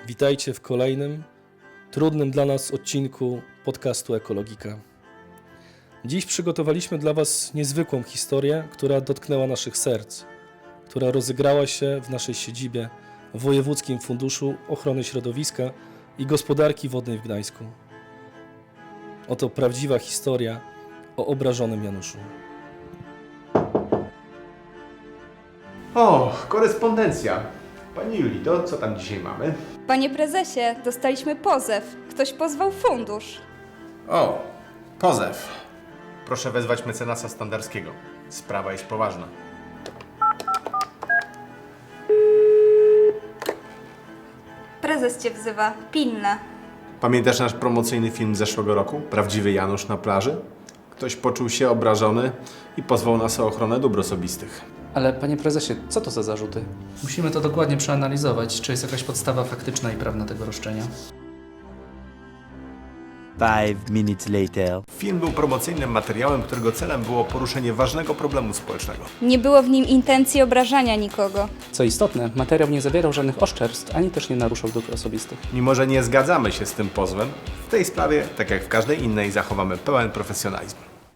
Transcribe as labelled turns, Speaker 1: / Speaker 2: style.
Speaker 1: Witajcie w kolejnym, trudnym dla nas odcinku podcastu Ekologika. Dziś przygotowaliśmy dla Was niezwykłą historię, która dotknęła naszych serc, która rozegrała się w naszej siedzibie w Wojewódzkim Funduszu Ochrony Środowiska i Gospodarki Wodnej w Gdańsku. Oto prawdziwa historia o obrażonym Januszu.
Speaker 2: O, korespondencja. Pani Julito, co tam dzisiaj mamy?
Speaker 3: Panie prezesie, dostaliśmy pozew. Ktoś pozwał fundusz.
Speaker 2: O, pozew. Proszę wezwać mecenasa Standarskiego. Sprawa jest poważna.
Speaker 3: Prezes cię wzywa. Pilne.
Speaker 2: Pamiętasz nasz promocyjny film z zeszłego roku? Prawdziwy Janusz na plaży? Ktoś poczuł się obrażony i pozwał nas o ochronę dóbr osobistych.
Speaker 4: Ale panie prezesie, co to za zarzuty?
Speaker 5: Musimy to dokładnie przeanalizować, czy jest jakaś podstawa faktyczna i prawna tego roszczenia.
Speaker 6: 5 minutes later.
Speaker 2: Film był promocyjnym materiałem, którego celem było poruszenie ważnego problemu społecznego.
Speaker 3: Nie było w nim intencji obrażania nikogo.
Speaker 4: Co istotne, materiał nie zawierał żadnych oszczerstw, ani też nie naruszał dóbr osobistych.
Speaker 2: Mimo że nie zgadzamy się z tym pozwem, w tej sprawie, tak jak w każdej innej, zachowamy pełen profesjonalizm.